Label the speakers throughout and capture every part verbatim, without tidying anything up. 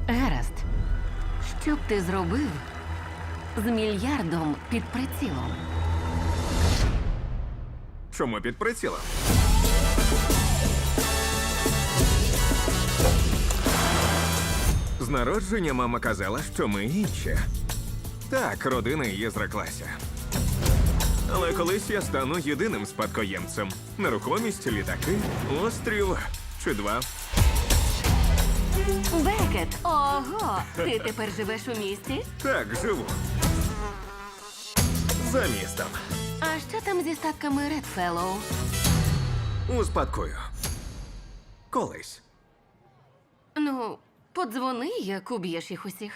Speaker 1: Гаразд. Що б ти зробив з мільярдом під прицілом?
Speaker 2: Чому під прицілом? З народження мама казала, що ми інші. Так, родина її зреклася. Але колись я стану єдиним спадкоємцем. Нерухомість, літаки, острів чи два.
Speaker 1: Бекет! Ого! Ти тепер живеш у місті?
Speaker 2: Так, живу. За містом.
Speaker 1: А що там зі статками Редфеллоу?
Speaker 2: Успадкую. Колись.
Speaker 1: Ну, подзвони, як уб'єш їх усіх.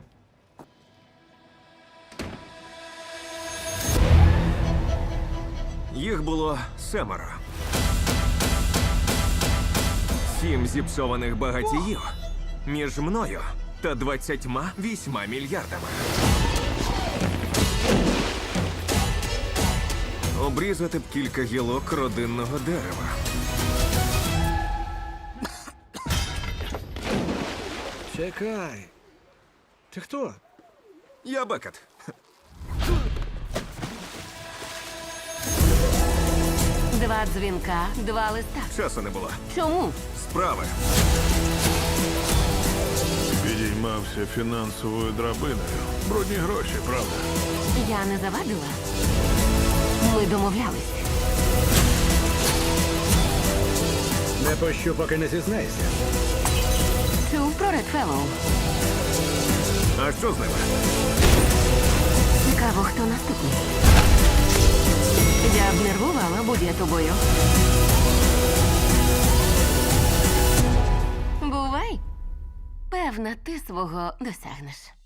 Speaker 2: Їх було семеро. Сім зіпсованих багатіїв між мною та двадцятьма вісьма мільярдами. Обрізати б кілька гілок родинного дерева.
Speaker 3: Чекай. Ти хто?
Speaker 2: Я Бекет.
Speaker 1: Два дзвінка, два листа.
Speaker 2: Часу не було.
Speaker 1: Чому?
Speaker 2: Справи.
Speaker 4: Підіймався фінансовою драбиною. Брудні гроші, правда?
Speaker 1: Я не завадила. Ми домовлялись.
Speaker 3: Не пощу, поки не зізнайся.
Speaker 1: Чув про Редфеллоу?
Speaker 2: А що з ними?
Speaker 1: Цікаво, хто наступний. Я б нервувала, будь я тобою. Бувай. Певна, ти свого досягнеш.